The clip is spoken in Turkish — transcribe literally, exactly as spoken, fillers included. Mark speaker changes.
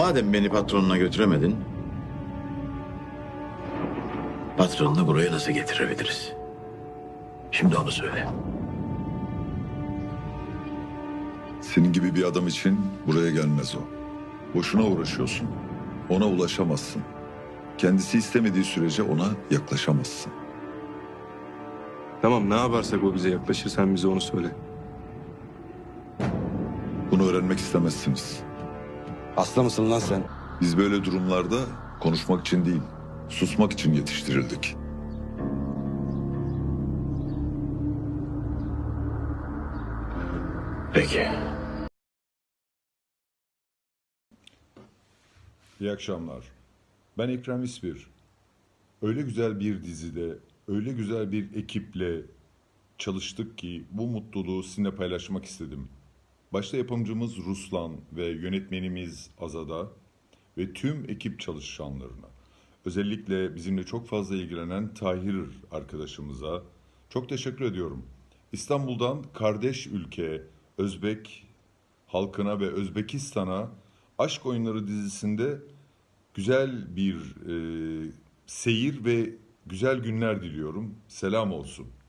Speaker 1: Madem beni patronuna götüremedin, patronunu buraya nasıl getirebiliriz? Şimdi onu söyle.
Speaker 2: Senin gibi bir adam için buraya gelmez o. Boşuna uğraşıyorsun. Ona ulaşamazsın. Kendisi istemediği sürece ona yaklaşamazsın.
Speaker 3: Tamam, ne yaparsak o bize yaklaşır, sen bize onu söyle.
Speaker 2: Bunu öğrenmek istemezsiniz.
Speaker 4: Hasta mısın lan sen?
Speaker 2: Biz böyle durumlarda konuşmak için değil, susmak için yetiştirildik.
Speaker 1: Peki.
Speaker 5: İyi akşamlar. Ben Ekrem İsbir. Öyle güzel bir dizide, öyle güzel bir ekiple çalıştık ki bu mutluluğu sizinle paylaşmak istedim. Başta yapımcımız Ruslan ve yönetmenimiz Azada ve tüm ekip çalışanlarına, özellikle bizimle çok fazla ilgilenen Tahir arkadaşımıza çok teşekkür ediyorum. İstanbul'dan kardeş ülke Özbek halkına ve Özbekistan'a Aşk Oyunları dizisinde güzel bir e, seyir ve güzel günler diliyorum. Selam olsun.